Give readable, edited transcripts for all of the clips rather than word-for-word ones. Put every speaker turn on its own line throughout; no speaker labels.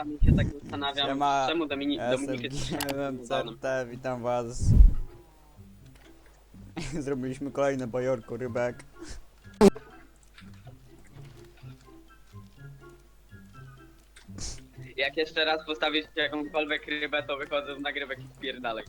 czasami się tak zastanawiam,
Siema,
czemu
ja
Dominik
jestem
jest
GMMCT, witam was. Zrobiliśmy kolejne bajorko rybek.
Jak jeszcze raz postawisz jakąkolwiek rybę, to wychodzę z nagrywek i spierdalej.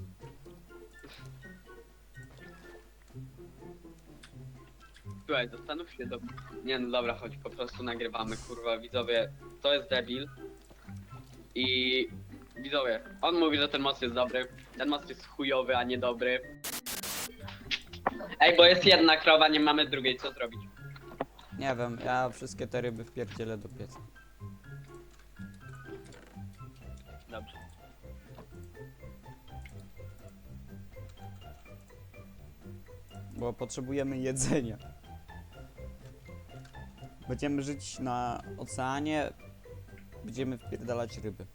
Słuchaj, zastanów się do... Nie no dobra, chodź, po prostu nagrywamy, kurwa, widzowie, to jest debil. I... Widzowie, on mówi, że ten most jest dobry, ten most jest chujowy, a nie dobry. Ej, bo jest jedna krowa, nie mamy drugiej, co zrobić?
Nie wiem, ja wszystkie te ryby wpierdzielę do pieca.
Dobrze.
Bo potrzebujemy jedzenia. Będziemy żyć na oceanie. Będziemy wpierdalać ryby.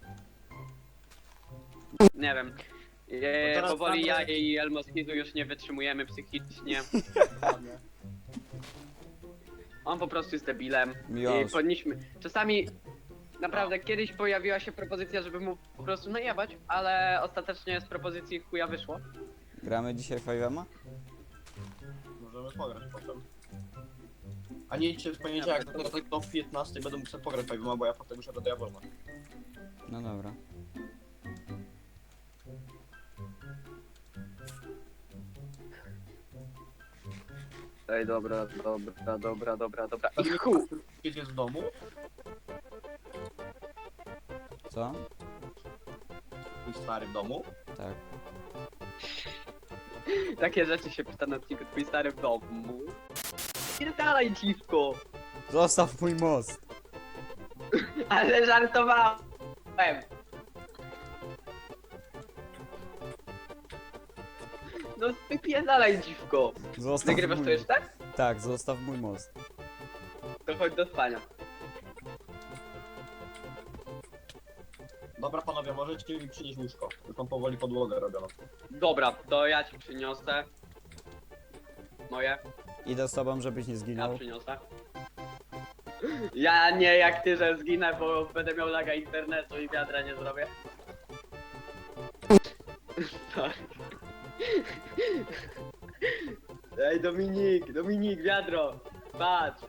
Nie wiem.
teraz
Powoli ja
Andrzej-
i Elmoskizu już nie wytrzymujemy psychicznie. On po prostu jest debilem. I
Miłosz.
powinniśmy... Czasami... Naprawdę, kiedyś pojawiła się propozycja, żeby mu po prostu najebać, ale ostatecznie z propozycji chuja wyszło.
Gramy dzisiaj 5M?
Możemy pograć potem. A nie idźcie w poniedziałek, to tak do 15 będę musiał pograć Fajwima, bo ja potem muszę do Diabolna.
No dobra.
Ej, dobra.
I
I chuj!
jest w domu?
Co?
Twój stary w domu?
Tak.
Takie rzeczy się pyta na odcinku twój stary w domu. Pierdalaj, dziwko!
Zostaw mój most!
Ale żartowałem! No wypierdalaj, dziwko!
Zostaw
Nagrywasz
mój...
to jeszcze?
Tak, zostaw mój most.
To chodź do spania.
Dobra panowie, możecie mi przynieść łóżko. Już mam powoli podłogę robioną.
Dobra, to ja ci przyniosę. Moje,
Idę z tobą, żebyś nie
ja
zginął.
przyniosę. Ja nie jak ty, że zginę, bo będę miał laga internetu i wiadra nie zrobię. Tak. Ej, Dominik, wiadro! Patrz!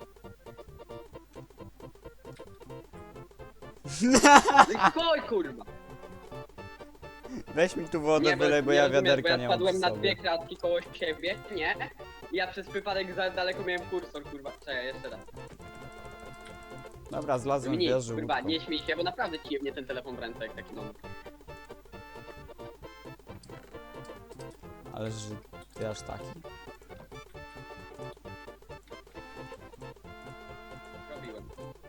Chodź, kurwa!
Weź mi tu wodę, wylej, bo ja
rozumiesz,
wiaderka
bo
nie
ja
mam
spadłem
przy
na
sobie.
dwie kratki koło siebie, nie? I ja przez przypadek za daleko miałem kursor, kurwa. Czekaj, jeszcze raz.
Dobra, zlazłem w
Dominik,
wieży
kurwa,
łódką.
nie śmiej się, bo naprawdę ci jebnie ten telefon w ręce jak taki moment.
Ale że ty aż taki?
Robiłem.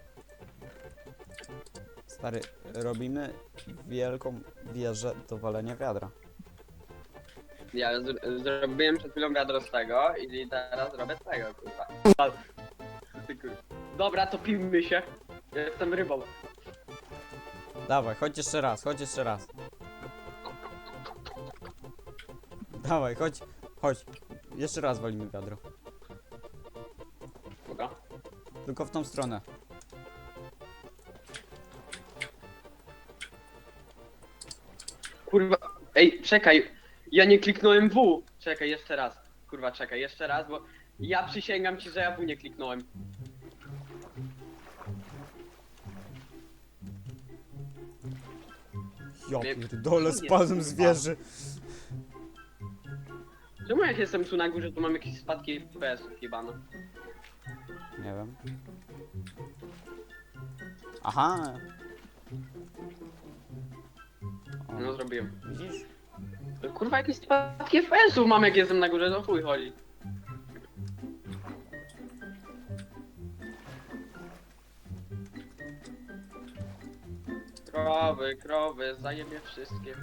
Stary, robimy wielką wieżę do walenia wiadra.
Ja zrobiłem przed chwilą wiadro z tego i teraz robię z tego, kurwa. Ty kurwa. Dobra, to pijmy się. Ja jestem rybą.
Dawaj, chodź jeszcze raz, chodź jeszcze raz. Dawaj, chodź, chodź. Jeszcze raz walimy wiadro.
Dobra.
Tylko w tą stronę.
Kurwa, ej, czekaj. Ja nie kliknąłem W. Czekaj, jeszcze raz. Kurwa, czekaj, jeszcze raz, bo ja przysięgam ci, że ja W nie kliknąłem.
Ja
Nie-
pierdolę,
nie-
spadłem z wieży.
Czemu jak jestem tu na górze, to mam jakieś spadki FPS-ów jebane?
Nie wiem. Aha. O,
No zrobiłem.
widzisz?
Kurwa, jakieś spadki FPS-ów mam jak jestem na górze, to chuj chodzi. Krowy, zajebie wszystkie.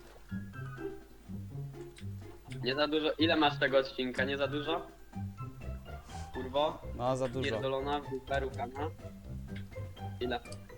Nie za dużo. Ile masz tego odcinka? Nie za dużo? Kurwo?
No za dużo.
Pierdolona, w dupę, rukana. Ile?